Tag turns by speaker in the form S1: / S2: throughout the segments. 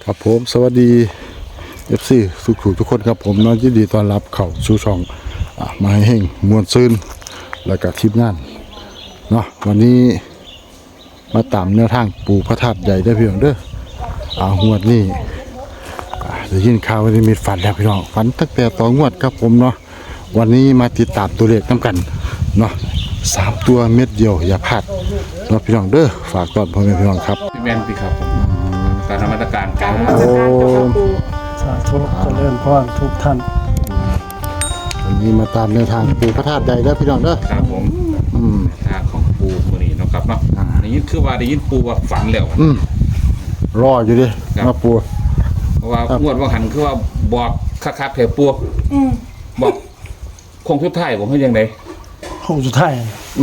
S1: ครับผมสวัสดี FC ทุกคนครับผมน้องยินดีต้อนรับเข้าสู่ช่องมาให้เฮงมวลซืนแล้วก็ทีมงานเนาะวันนี้มาตามแนวทางปู่พระธาตุใหญ่ได้อพี่น้องเด้องวดนี้ได้ยินข่าวว่าได้มีฝันแล้วพี่น้องฝันตั้งแต่ต่องวดครับผมเนาะวันนี้มาติดตามตัวเลขน้ำกันเนาะ3 ตัวเม็ดเดียวอย่าพลาดเนาะพี่น้องเด้อฝากตอนพ่อแม่พี่น้องครับ
S2: พี่แมนพี่ครับผมการนมัสการ
S3: การนมัสการเจ้าค่ะปู่
S4: สาธุเจริญพรทุกท่าน
S1: วันนี้มาตามแนวทางปู่พระธาตุใหญ่เด้อพี่น้องเด้อ
S2: ครับผมทางของปูมือนี้เนาะครับเนาะได้ยินคือว่าได้ยินปูว่าฝันแล้ว
S1: รออยู่ดิ
S2: ครับ
S1: มาปู่
S2: เพราะว่างวดว่าหันคือว่าบอกคักๆแถวปูบอกคงทุกท่ายผมให้ยังไง
S4: ห้องสุดท้าย
S2: โอ้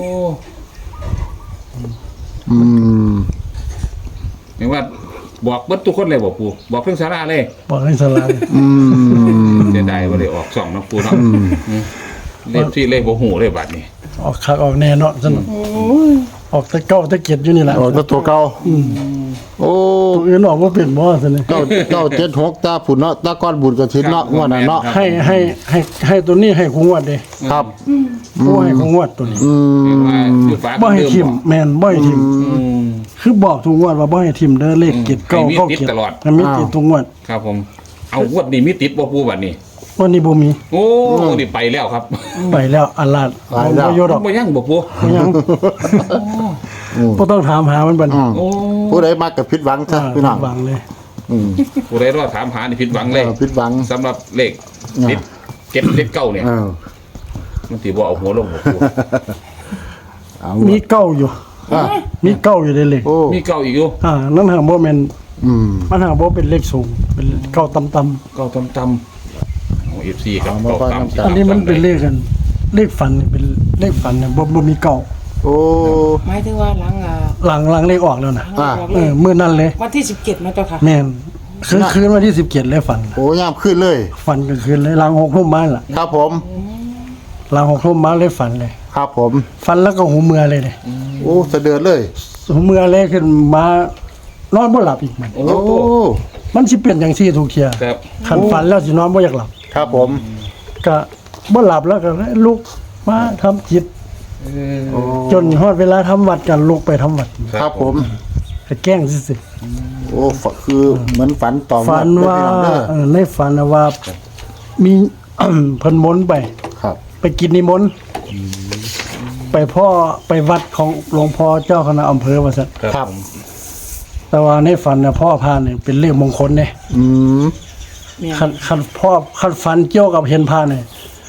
S2: เห็นว่าบอกเบิดทุกคนเลยบอกปูบอกเพิ่งสาราเลย
S4: บอกให้สลาย
S2: เสียดายว่าเลยออก2เนาะปูเนาะเล่นที่เล่บ่หูเลยบัดนี้
S4: ออกคักออกแน่เนาะซั่นออกตะเก้าตะเกียดอยู่นี่แหละ
S1: โอ้ตัวเก่าโอ้
S4: ตัวอื่นออกบ่เป็นบ่ซั่นนี่
S1: 976ตาผุนเนาะตาก้อนบุญกระถินเนาะงวดนั้นเนาะ
S4: ให้ตัวนี้ให้คงวดเด้
S1: ครับ
S4: บ่ให้คงวดตัวนี้
S2: เห็นว่าอยู่ฟ้า
S4: บ่ให้
S2: เดิม
S4: ทิ่ม
S2: บอก
S4: แม่นบ่ให้ทิ่มคือบอกทุกงวดว่าบ่ให้ทิ่มเด้อเลขเกียรเก้า
S2: ให้มี
S4: เข้า
S2: ติด
S4: เกียร
S2: ตลอด
S4: มันมีติดทุกงวด
S2: ครับผมเอางวดนี้มีติดบ่ปูบัดนี้
S4: วันนี้บ่มี
S2: โอ้นี่ไปแล้วครับ
S4: ไปแล้วอัลลาดบ่อยู่ดอก
S2: บ่ยังบ่ปู
S4: บ่ยังบ่ต้องถามหามันบัดนี้
S2: โอ้
S1: ผู้ใดมากับผิดหวังซะพี่น้อง
S4: หวังเลย
S2: ผู้ใดรอถามหานี่ผิดหวังเลย
S1: ผิดหวัง
S2: สำหรับเลขติดเก็บเลขเก้าเนี่ย
S1: เออ
S2: มันสิบ่เอาหัวลงบ่ปู
S1: เอา
S4: มีเก้าอยู่
S1: อ่ะ
S4: มีเก้าอยู่ในเลข
S1: โอ้
S2: มีเก้าอีกอยู่
S4: นั่นหาบ่แม่น
S1: ม
S4: มันหาบ่เป็นเลขสูง เป็นเก้าต่ำ
S2: เก้าตำของ FC ครับเก้าตำ
S4: ๆอันนี้มันเป็นเลขกัน เลขฝันนี่เป็นเลขฝันเนี่ยบ่มีเก้า
S1: โอ้
S3: หมายถึงว่าหลัง
S4: หลังเลขออกแล้วนะ
S1: อ่า
S3: บอก
S4: เอ
S3: เล
S4: อย มื้อนั้นเลย
S3: วันที่17นะเจ้าค่ะ
S4: แม่นคืนวันที่17เลยฝัน
S1: โอ้ยามขึ้นเลย
S4: ฝันกลางคืนเลยหลัง6 ทุ่มมาล่ะ
S1: ครับผม
S4: หลัง6 ทุ่มมาเลยฝันเลย
S1: ครับผม
S4: ฝันแล้วก็หูเมือเลยเนี่ย
S1: โอ้สะเดือดเลย
S4: หูเมือเลยขึ้นมานอนบ่หลับอีกมัน
S2: โอ้
S1: โอ้
S4: มันสิเป็นจังซี่ทุกเที่ย
S2: ครับ
S4: คันฝันแล้วสินอนบ่อยากหลับ
S1: ครับผม
S4: ก็บ่หลับแล้วก็ลุกมาทำจิต
S1: โอ้
S4: จนฮอดเวลาทำวัดกันลุกไปทำวัด
S1: ครับผม
S4: ก็แกล้งซื่อ
S1: โอ้คือเหมือนฝันต่อ
S4: ๆฝันว่า
S1: เด้อ
S4: ในฝันน่ะว่ามี เพิ่นมนต์ไป
S1: ครับ
S4: ไปกินนิมนต์ไปพ่อไปวัดของหลวงพ่อเจ้าคณะอำเภอว่าซั่น
S1: ครับ
S4: แต่ว่าในฝันน่ะพ่อพาเนี่ยเป็นเลขมงคลเด้
S1: อืม
S4: คันพ่อคันฝันเกี่ยวกับเห็นพาเนี่ย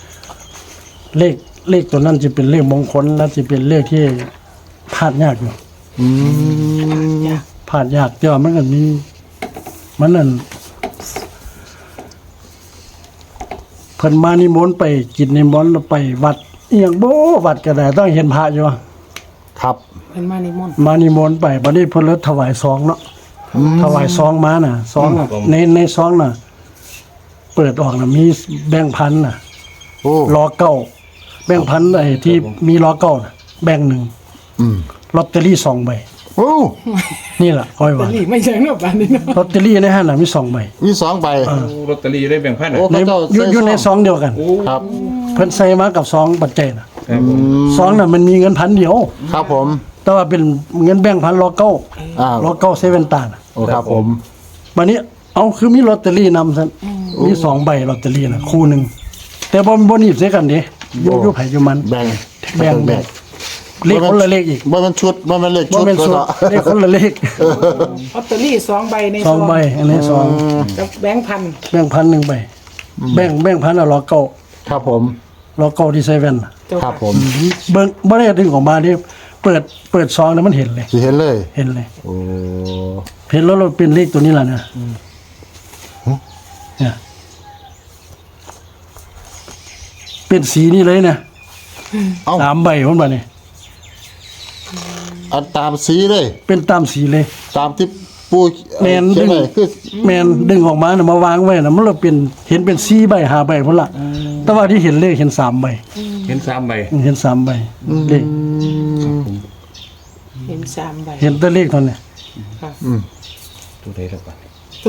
S4: เลขตัวนั้นจะเป็นเลขมงคลและจะเป็นเลขที่พลาดยากอยู่
S1: อืม
S4: พลาดยากแต่ว่ามันก็มีมันนั่นเพิ่นมานิมนต์ไปกินนิมนต์แล้วไปวัดอีหยังบ่วัดก็ได้ต้องเห็นพระอยู่
S1: ครับ
S3: เป็นมานิมนต์
S4: มานิมนต์ไปบัดนี้เพิ่นเลยถวายซองเนาะถวายซองมาน่ะซองน่ะในซองน่ะ เปิดออกน่ะมีแบงค์พันน่ะ
S1: โอ้
S4: ล้อเก้าแบงค์พันไอ้ที่มีล้อเก้าน่ะแบงค์หนึ่ง
S1: อืม
S4: ลอตเตอรี่2 ใบ
S1: โอ้
S4: นี่ล่ะค่อยว่า
S3: นี่ไม่ใช่เนาะบ้านนี้เนาะ
S4: ลอตเตอรี่ในห้างน่ะมี2 ใบ
S1: มี2 ใบ
S2: โอ้ลอตเตอรี่ได้แบ่งพัน
S1: โอ้
S4: ใน
S1: พระเจ้า
S4: อยู่ในซองเดียวกัน
S2: โอ้
S1: ครับ
S4: เพิ่นใส่มากับซองปัจจัยน่ะ
S2: ครับผม
S4: ซองน่ะมันมีเงินพันเดียว
S1: ครับผม
S4: แต่ว่าเป็นเงินแบงค์พันล้อเก้า
S1: อ่า
S4: ล้อเก้าเซเว่นตาน่ะ
S1: โอ้ครับผม
S4: บัดนี้เอาคือมีลอตเตอรี่นำซั่นมี2 ใบลอตเตอรี่น่ะคู่หนึงแต่บ่หนีบใส่กันเด้อยู่ไผอยู่มัน
S1: แบ่ง
S4: แบ่ง เลขคนละเลขอีก
S1: บ่มันชุดบ่มันเลข
S4: บ่
S1: ชุด
S4: เป็นสูตร
S1: เนาะ
S4: เลขคนละเลข
S3: ลอตเตอรี่2ใบใน
S4: สองใบอันนี้สอง
S3: กับแบงค์พัน
S4: แบ่งพัน1 ใบแบ่งพันล้อเก้า
S1: ครับผม
S4: ล้อเก้าที่เซเว่นน่ะ
S3: เจ้า
S1: ครั
S3: ค่ะ
S1: บผม
S4: เบิ่งบ่ได้ดึงออกมานี่เปิดซองแล้วมันเห็นเลย
S1: สิเห็นเลย
S4: เห็นเลย
S1: โอ้
S4: เห็นแล้วเราเป็นเลขตัวนี้ล่ะนะเนี่ยเป็นสีนี่เลยนะ
S1: เอ้า
S4: 3 ใบพุ่นบ่นี่
S1: อันตามสีเลย
S4: เป็นตามสีเลย
S1: ตามที่ปู
S4: แม่น
S1: เขียน
S4: ดึง
S1: ไว้คือ
S4: แม่นดึงออกมาน่ะมาวางไว้น่ะมันเลยเป็นเห็นเป็น4 ใบ5 ใบพุ่นล่ะแต่ว่าที่เห็นเลขเห็น3 ใบ
S2: เห็น3ใบ
S4: เห็น3 ใบเลข
S3: เห็น3ใบ
S4: เห็นแต่เลขเท่านั้น
S3: ค่ะ
S2: ตัวใดล่ะบัด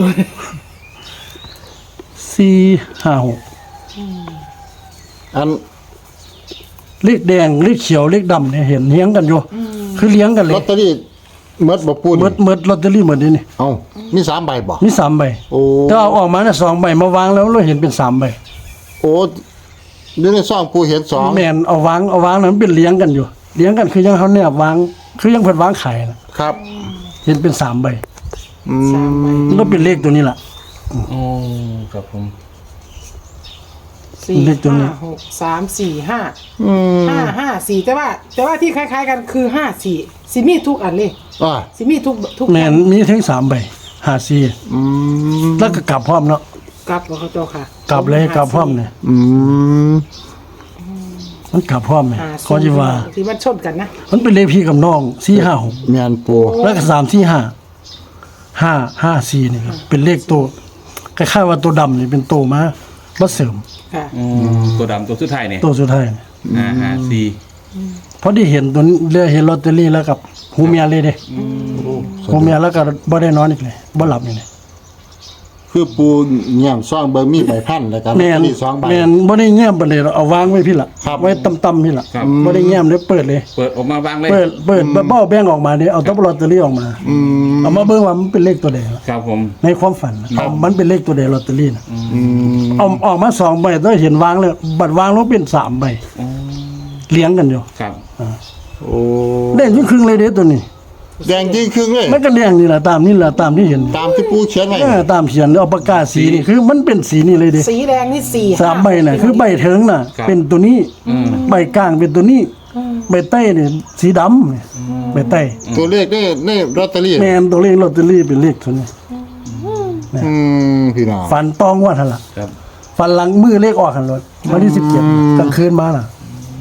S4: 456
S1: อัน
S4: เลขแดงเลขเขียวเลขดำเนี่ยเห็นเลี้ยงกันอยู่คือเลี้ยงกันเล
S1: ล
S4: ย
S1: อตเตอรี่เมดบ่ปูน
S4: เมิดลอตเตอรี่หมดนี่
S1: เอ้ามี3ใบบ่
S4: มี3ใบ
S1: โอ้
S4: แต่เอาออกมาเนี่ย2ใบมาวางแล้วเราเห็นเป็น3ใบ
S1: โอ้อยู่ในซองปูเห็น2
S4: แม่นเอาวางนั้นมันเป็นเลี้ยงกันอยู่เลี้ยงกันคือยังเขาเนี่ยวางคือยังเพิ่นวางขายนะครับ เห็นเป็น3ใบ
S1: อืม
S4: มันก็เป็นเลขตัวนี้ล่ะ
S2: โอ้ครับผม
S3: สี่
S4: เลขตัวนี้
S3: ห้าหกสามสี่ห้าห้าสี่แต่ว่าที่คล้ายๆกันคือ54สิมีทุกอันเลย
S1: อ่า
S3: สิมีทุก
S4: แม่นมีถึง3ใบ54
S1: อืม
S4: แล้วก็กลับพร้อมเนาะ
S3: กลับบ่เขาเจ้าค่ะ
S4: กลับเลยกลับพร้อมเนี่ย
S1: อืม
S4: มันกลับพร้อมเนี่ย
S3: 54
S4: ก็สิว่า
S3: ที่มันชนกันนะ
S4: มันเป็นเลขพี่กับน้อง456
S1: แม่นปู
S4: แล้วก็345 นี่ครับเป็นเลขตัวคล้ายๆว่าตัวดำนี่เป็นตัวมาเสริม
S3: ค่ะ
S2: ตัวดำตัวสุดท้ายเนี่ย
S4: ตัวสุดท้ายนี่
S2: 4
S4: พอได้เห็นตัวนี้เรียกเห็นลอตเตอรี่แล้วกับหูเมียเลยเด้หูเมียแล้วก็บ่ได้นอนอีกเลยบ่หลับอีกเลย
S1: คือปูแง้มซองเบิ่งมีใบพันแล้วก็ลอต
S4: แม่
S1: เตอน รี่2ใบ
S4: แม่นบ่ได้แง้มไปเลยเอาวางไว้พี่ล่ะ
S1: ครับ
S4: ไว้ต่ำๆพี่ล่ะ
S2: ครับ
S4: บ่ได้แง้มเลยเปิดเลย
S2: เปิดออกมาวางเลย
S4: เปิดเบ้าแบ่งออกมาเนี่ยเอาตัวลอตเตอรี่ออกมาเอามาเบิ่งว่ามันเป็นเลขตัวใด
S2: ครับผม
S4: ในความฝันนะมันเป็นเลขตัวใดลอตเตอรี่น่ะ
S1: อืม
S4: เอาออกมา2ใบแล้วเห็นวางเลยบัตรวางแล้วเป็น3ใบเลี้ยงกันอยู่
S2: ครับ
S1: โอ้
S4: แดงครึ่งๆเลยเด้ตัวนี้
S1: แดงจริงครึ่งเลย
S4: มันก็แดงนี่ล่ะตามนี่ล่ะตามที่เห็น
S1: ตามที่ปูเขียนไว้
S4: ตามเขียนเอาปากกาสีนี่คือมันเป็นสีนี่เลยเด้
S3: สีแดงนี่สี่
S4: 3ใบน่ะคือใบเถิงน่ะ เป็นตัวนี้ใบกลางเป็นตัวนี้ใบใต้นี่สีดำนี่ใบใต้
S1: ตัวเลขในลอตเตอรี่
S4: แม่นตัวเลขลอตเตอรี่เป็นเลขตัวนี้
S1: พี่น้อง
S4: ฟันตองว่าหั่นล่ะ
S2: ครับ
S4: ฟันหลังมือเลขออกหั่นรถวันที่17กลางคืนมาน่ะ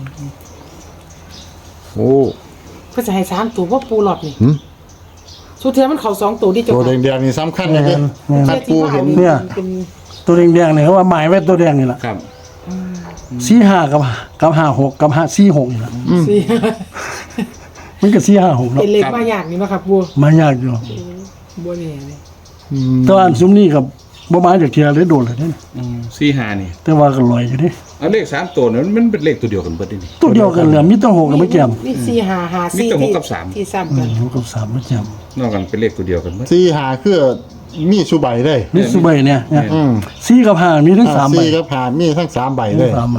S1: โอ้
S3: ก็จะให้3ตัวเพราะปูหลอดนี่สุดท้ายมันเข้า2ตัวที่เจ้า
S1: ตัว
S3: ค่ะ
S1: แดงๆนี่สำคัญเลยเด้คัดปูเห็น
S4: เนี่ย
S3: เป็น
S4: ตัวแดงๆเนี่ยเขาว่าหมายไว้ตัวแดงนี่ล่ะ
S2: ครับ
S4: 45กับ56กับ46นี่ล่ะ
S3: สี่
S4: มันก็456เนาะ
S3: เป็นเลขมายากนี่เนาะครับบัว
S4: มายากอยู่
S3: บัวนี่เลย
S4: แต่ว่าอันซุมนี้กับบ่มาจากเทียเลยโดนเลยเด้
S2: 4-5นี่
S4: แต่ว่าก็ลอยอยู่เด้
S2: เอาเลข3ตัวนั้นมันเป็นเลขตัวเดียวกันเบิดนี่
S4: ตัวเดียวกันเลยมีแตั้ง6กับไม่แก้ม
S3: นี่สี่ห้าห้า
S2: มี
S3: สี่
S2: แต่หก
S3: ที่
S2: กับสาม
S3: ที่ซ้ำกัน
S4: 6กับ3ไม่แก้ม
S2: นอกกันเป็นเลขตัวเดียวกันเบิด
S1: 4 5คือมีสุใบเลย
S4: นี่สุใบเนี่ย
S1: อืม
S4: 4กับ5มีทั้ง3ใบ
S1: 4กับ5มีทั้ง3ใบเลย
S4: 3ใบ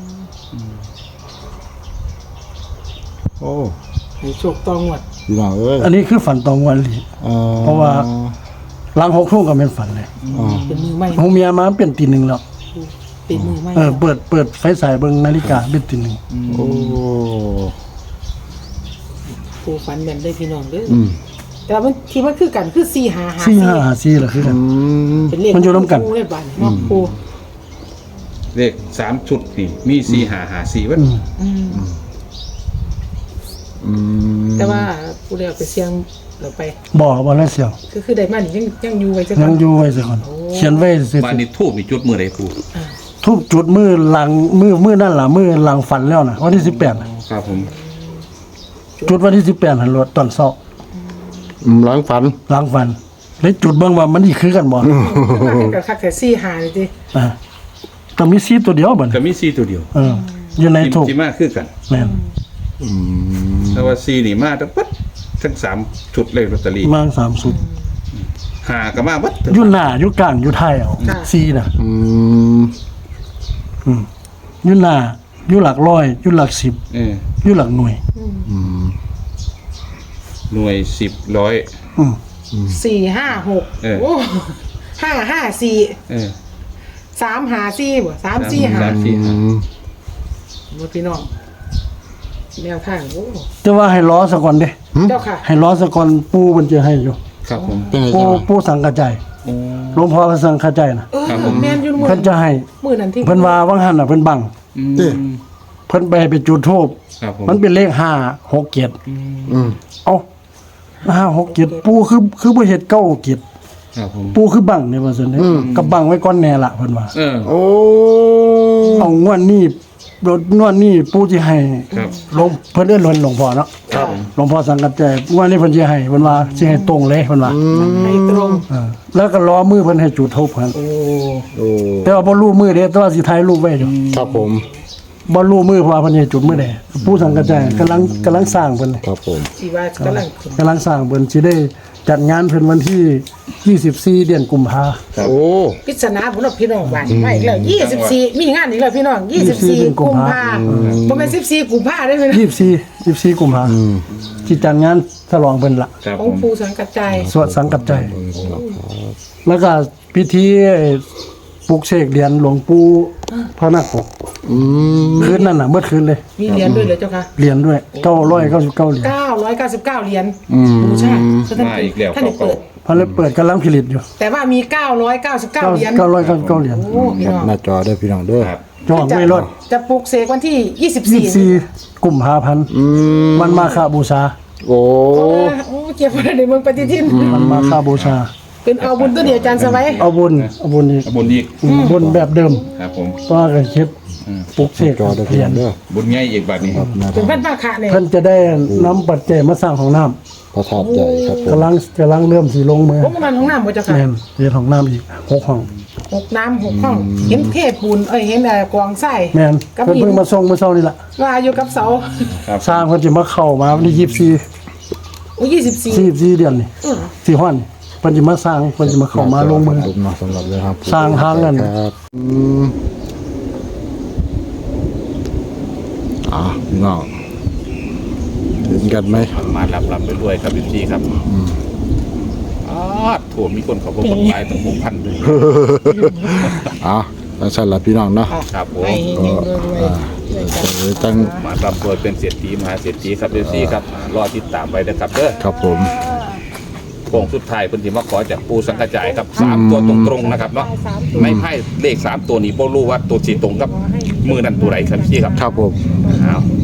S1: โอ้
S3: ให้โชคตองวด
S1: พี่น้องเอ้ย
S4: อันนี้คือฝันตองวันหลี เพราะว่า หลัง6ทุ่มก็เป็นฝันเลย
S3: เป็นมือใหม่
S4: หูเมียมาเป็นตีหนึ่งแล้ว
S3: เป็นมือใหม่
S4: เปิดไฟฉายเบิ่งนาฬิกาเป็นตีหนึ่ง
S1: โอ้
S3: ปูฟันแม่นได้พี่น้องเด้อแต่มันที่มันคือกันคือสี่ห้าห้า
S4: 4-5-4ล่ะคือกัน
S3: เป็นเลข
S4: มันอยู่ร่วมกัน
S3: ปูเลยบ้านเนาะปู
S2: เลข3ชุดนี่มี4-5-5-4เบิด
S3: แต่ว่าปูได้เอาไปเสี่ยงเราไป
S4: บ่แล้วเสียว
S3: คือได้มานี่ยังอยู่ไว้จัง
S4: ยังอยู่ไว้ซะก่อนเขียนไว้เสร็จ
S2: บ้านนี้ทูบมีจุดมื้อใดปู
S4: ทุบจุดมือหลังมือนั่นล่ะมือหลังฝันแล้วน่ะวันที่18น่ะ
S2: ครับผม
S4: จุดวันที่18หันรถตอนเช้า
S1: หลังฝัน
S4: หลังฝันเลยจุดเบิ่งว่ามันสิคือกันบ่
S3: กับคักแต่สี่ห้าเลยจิ
S4: อ่าก็มีซีตัวเดียวบัด
S2: ก็
S4: นี้
S2: มี4ตัวเดียว
S4: อยู่ในถูก
S2: ที่มาคือกัน
S4: แม่น
S2: แต่ว่า4นี่มาทั้งเบิดทั้ง3ชุดเลขลอตเตอรี่
S4: มา3สุด
S2: 5ก็มาเบิด
S4: อยู่หน้าอยู่กลางอยู่ท้ายเอาซีน่ะ
S1: อืม
S4: อยู่หน้าอยู่หลักร้อยอยู่หลัก10 อยู่หลักหน่วย
S2: หน่วย10ร้อย
S3: สี่ห้าหก
S2: เออ
S3: โอ้ห้าสี่
S2: เออ
S3: 3-5-4บ่3-4-5 หมดพี่น้องแนวทางโอ้
S4: แต่ว่าให้ล้อซะก่อนเด้
S3: เจ้าค่ะ
S4: ให้ล้อซะก่อนปู่มันจะให้อยู่
S2: ครับผม
S1: เป็นไง
S4: ปู่
S1: จ้า
S4: ปู่สังกะใจหลวงพ่อก็สังกะใจน่ะ
S2: ครับผม
S3: แม่นอยู่มื้อ
S4: เพิ่นจะให้
S3: มื้อนั้นที่
S4: เพิ่นว่าวังหันน่ะเพิ่นบัง
S1: เด้
S4: เพิ่นไปจุดธูป
S2: ครับผม
S4: มันเป็นเลข567
S1: อืม
S4: เอ้า567ปู่คือบ่เฮ็ด967
S2: ครับผม
S4: ปู่คือบังเนี่ยว่าซั่นเด้กับบังไว้ก่อนแน่ละเพิ่นว่า
S2: เออ
S1: โอ้
S4: เอางวดนี้นวดนี่ปู่สิให้
S2: ครับ
S4: หลวงเพิ่นเอิ้นหลวงพ่อเนาะ
S3: ครับ
S4: หลวงพ่อสังกัดใจว่านี่เพิ่นสิให้เพิ่นว่าสิให้ตรงเลยเพิ่นว่า
S3: ให้ตรง
S4: แล้วก็รอมือเพิ่นให้จุดธูปเพิ่น
S3: โอ้
S1: โอ้
S4: แต่ว่าบ่รู้มือเด้แต่ว่าสิถ่ายรูปไว้อยู่
S1: ครับผม
S4: บ่รู้มือเพราะว่าเพิ่นให้จุดมือใดปู่สังกัดใจกำลังสร้างเพิ่น
S1: ครับผม
S3: สิว่ากำลัง
S4: กำลังสร้างเพิ่นสิได้จัดงานเพิ่นวันที่24เดือนกุมภา
S1: โอ้
S3: ปริศนาพุ่นพี่น้องบ้านมาอีกแล้ว24มีงานอีกแล้วพี่น้อง24กุมภาบ่แม่น14กุมภาได้มั้ย
S4: 24กุมภาที่จัดงานฉลองเพิ่นละ
S2: ครับ
S3: ข
S2: ผ
S3: อง
S2: ม
S3: ปู่สังกัดใจ
S4: สวดสังกัดใจ แล้วก็พิธีปลุกเสกเหรียญหลวงปู่พระนาคปกคืนนั่นน่ะเมื่อคืนเลย
S3: มีเหรียญด้วยเหรอเจ้าค่ะ
S4: เหรียญด้วย999เหรียญ
S3: 999เหรียญบูชาท่าน
S2: มาอีกแล้ว
S3: ท่านได้เปิด
S4: พระเลยเปิดกำลังผลิตอยู่
S3: แต่ว่ามี 999เหรียญ
S4: 999เหรียญ
S3: โอ้พี่
S1: ครับ
S3: น้อง
S1: หน้าจอเด้อพี่น้องเด้อ
S2: ครับ
S4: จองไม่ลด
S3: จะปลุกเสกวันที่24
S4: 24กุมภาพันธ์วันมาฆบูชา
S1: โอ้
S3: โอ้เก็บไว้ในเมืองปฏิทิน
S4: วันมาฆบูชา
S3: เป็นเอาบุญตัวเดียวอาจารย์สวัย
S4: เอาบุญอีก
S2: บุญอีก
S4: บุญแบบเดิม
S2: ครับผม
S4: ก็กันคิดปลุกเสก
S1: จอเด้อ
S4: เห
S1: พี่
S4: รีย
S1: น้อ
S4: ญ
S1: งเด้อ
S2: บุญใหญ่อีกบัดนี้
S1: ครับนะค
S3: เป็น
S1: รับ
S3: พันมาคะเนี่ย
S4: เพิ่นจะได้น้ำปัจจัยมาสร้างของน้ำ
S1: พระธาตุใหญ่ครับผม
S4: กำลังเริ่มสิลงมือ
S3: พวกมันของน้ำบ่เจ้าค่ะ
S4: แม่นเรียนของน้ำอีก6ห้อง
S3: หกน้ำ6ห้อง เห็นเทพปูนเห็นกวางไส้
S4: แม่น
S3: กับ
S4: เพิ่น
S3: หิน
S4: เพิ่งมาส่งเมื่อเช้านี่ล่ะ
S3: ว่าอยู่กับเสา
S4: สร้างเพิ่นสิมาเข้ามาวันที่
S3: โอ้24
S4: 24เดือนนี่สิฮ้อนเพิ่นสิมาสร้างเพิ่นสิมาเข้ามาลงมือ
S1: ผมมาสำหรับเลยครับ
S4: สร้างทางนั่น
S1: ครับพี่น้องเห็นกันไหม
S2: มาลำไปด้วยครับพี่ครับถั่วมีคนเขาบอกคนตายตั้ง6,000เลย
S1: ตั้งสั้นละพี่น้องเนาะ
S2: ครับผม
S3: ไปเฮงๆรวยๆ
S1: ตั้ง
S2: มาลำรวยเป็นเศรษฐีมหาเศรษฐีครับพี่ครับรอติดตามไว้นะครับเด้อ
S1: ครับผม
S2: โค้งสุดท้ายเพิ่นสิมาขอจากปูสังกระจายครับ3ตัวตรงๆนะครับเนาะไม่ไพ่เลข3ตัวนี้บ่รู้ว่าตัวสิตรงกับมือนั้นตัวไหนครับพี่ครับ
S1: ครับผม
S2: เอา